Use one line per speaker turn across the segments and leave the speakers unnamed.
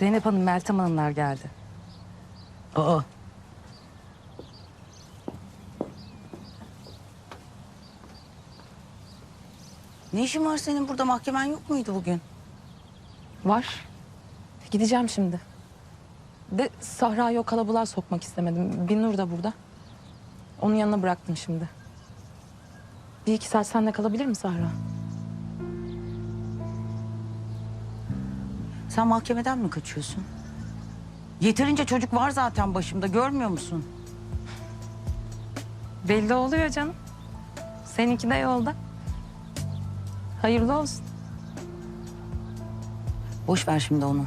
Zeynep Hanım, Meltem Hanımlar geldi.
Aa. Ne işin var senin burada? Mahkemen yok muydu bugün?
Var. Gideceğim şimdi. De Sahra'yı o kalabalığa sokmak istemedim. Binur da burada. Onun yanına bıraktım şimdi. Bir iki saat sende kalabilir mi Sahra?
Sen mahkemeden mi kaçıyorsun? Yeterince çocuk var zaten başımda, görmüyor musun?
Belli oluyor canım. Seninki de yolda. Hayırlı olsun.
Boş ver şimdi onu.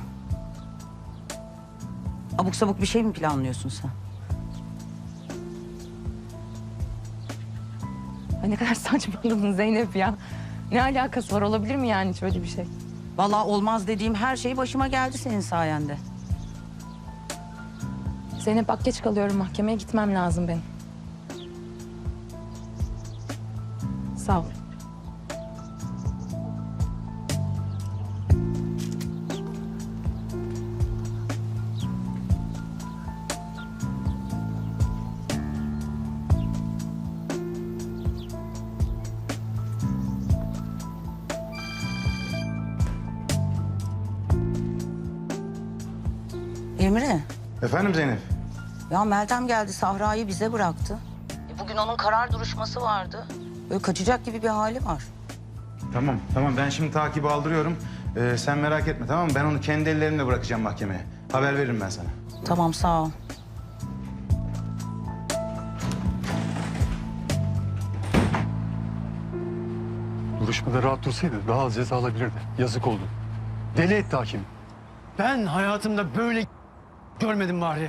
Abuk sabuk bir şey mi planlıyorsun sen?
Ay ne kadar saçmaladın Zeynep ya. Ne alakası var, olabilir mi yani hiç öyle bir şey?
Vallahi olmaz dediğim her şey başıma geldi senin sayende.
Zeynep bak, geç kalıyorum, mahkemeye gitmem lazım benim. Sağ ol.
Emre,
Efendim Zeynep?
ya Meltem geldi, Sahra'yı bize bıraktı. Bugün onun karar duruşması vardı. Böyle kaçacak gibi bir hali var.
Tamam ben şimdi takibi aldırıyorum. Sen merak etme, tamam mı? Ben onu kendi ellerimle bırakacağım mahkemeye. Haber veririm ben sana.
Tamam, sağ ol.
Duruşmada rahat dursaydı daha az ceza alabilirdi. Yazık oldu. Deli etti hakim.
Ben hayatımda böyle görmedim bari.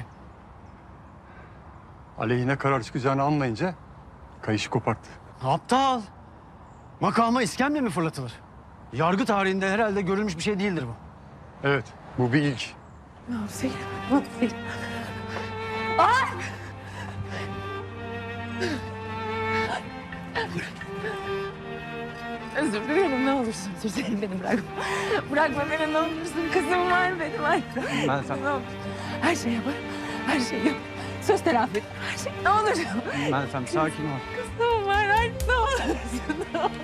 Aleyhine karar çıkacağını anlayınca kayışı koparttı.
Aptal. Makama iskemle mi fırlatılır? Yargı tarihinde herhalde görülmüş bir şey değildir bu.
Evet, bu bir ilk.
Özür dilerim, ne olursun. Özür dilerim, beni bırakma. Bırakma beni, ne olursun. Kızım var benim. Ay.
Ben sen...
Ne olur. Her şeyi yaparım. Her şeyi yap. Söz telafi et. Her şey. Ne olur.
Ben sen sakin ol.
Kızım var. Ay, ne olursun. Ne olur.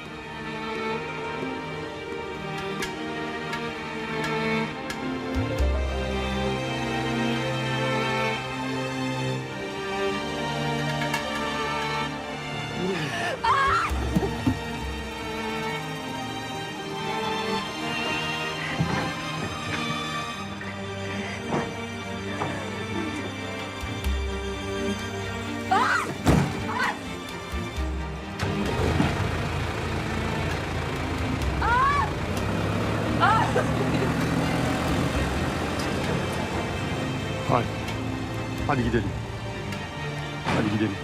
Hadi. Hadi gidelim. Hadi gidelim.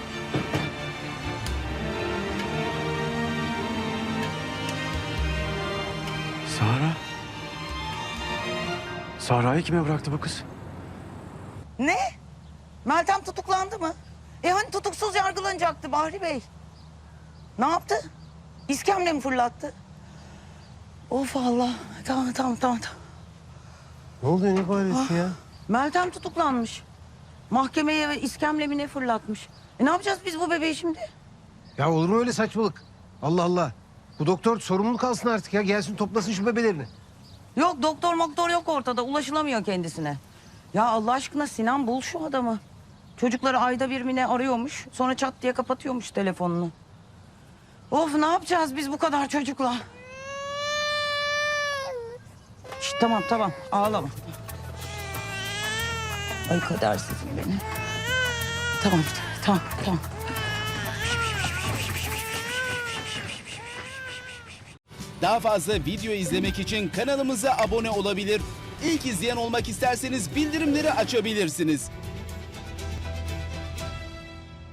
Sahra. Sahra'yı kime bıraktı bu kız?
Ne? Meltem tutuklandı mı? Hani tutuksuz yargılanacaktı Bahri Bey? Ne yaptı? İskemle mi fırlattı? Of Allah. Tamam.
Ne oldu ne bağırıyorsun ya?
Meltem tutuklanmış. Mahkemeye iskemle mi ne fırlatmış? Ne yapacağız biz bu bebeği şimdi?
Ya olur mu öyle saçmalık? Allah Allah. Bu doktor sorumluluk alsın artık ya. Gelsin toplasın şu bebelerini.
Yok, doktor yok ortada. Ulaşılamıyor kendisine. Ya Allah aşkına Sinan, bul şu adamı. Çocukları ayda bir mi ne arıyormuş. Sonra çat diye kapatıyormuş telefonunu. Of, ne yapacağız biz bu kadar çocukla? Şişt, tamam ağlama. Ay kadersizim beni. Tamam.
Daha fazla video izlemek için kanalımıza abone olabilir. İlk izleyen olmak isterseniz bildirimleri açabilirsiniz.